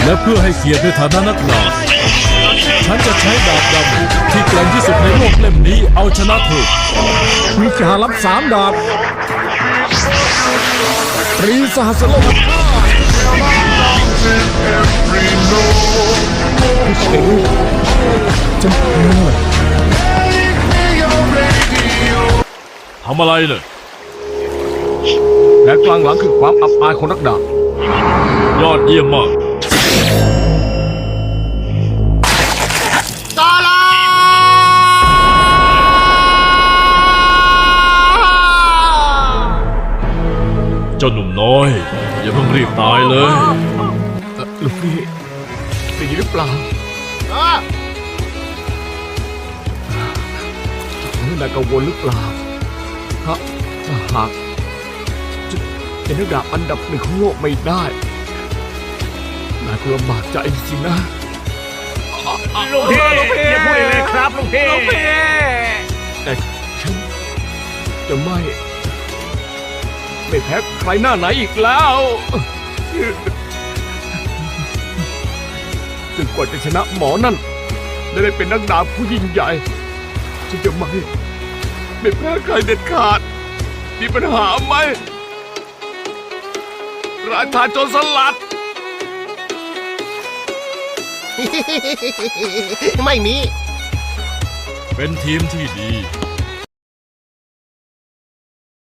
และเพื่อให้เกียรติในฐานะนักดาบฉันจะใช้ดาบดำที่แกร่งที่สุดในโลกเล่มนี้เอาชนะเธอวิชารับ3 ดาบตรีสหัสโลกฉันทำอะไรเนี่ยและกลางหลังคือความอับอายของนักดาบยอดเยี่ยมมากเจ้าหนุ่มน้อยอย่าเพิ่งรีบตายเลยลูกพี่เป็นหรือเปล่าไม่ได้กังวลหรือเปล่าถ้าหากจะนักดาบอันดับ1ของโลกไม่ได้นายก็ลำบากใจจริงๆนะลูกพี่อย่าพูดเลยครับลูกพี่แต่ฉันจะไม่แพ้ใครหน้าไหนอีกแล้วจนกว่าจะชนะหมอนั่นและได้เป็นนักดาบผู้ยิ่งใหญ่ฉันจะไม่แพ้ใครเด็ดขาดมีปัญหาไหมราชาโจรสลัดไม่มีเป็นทีมที่ดี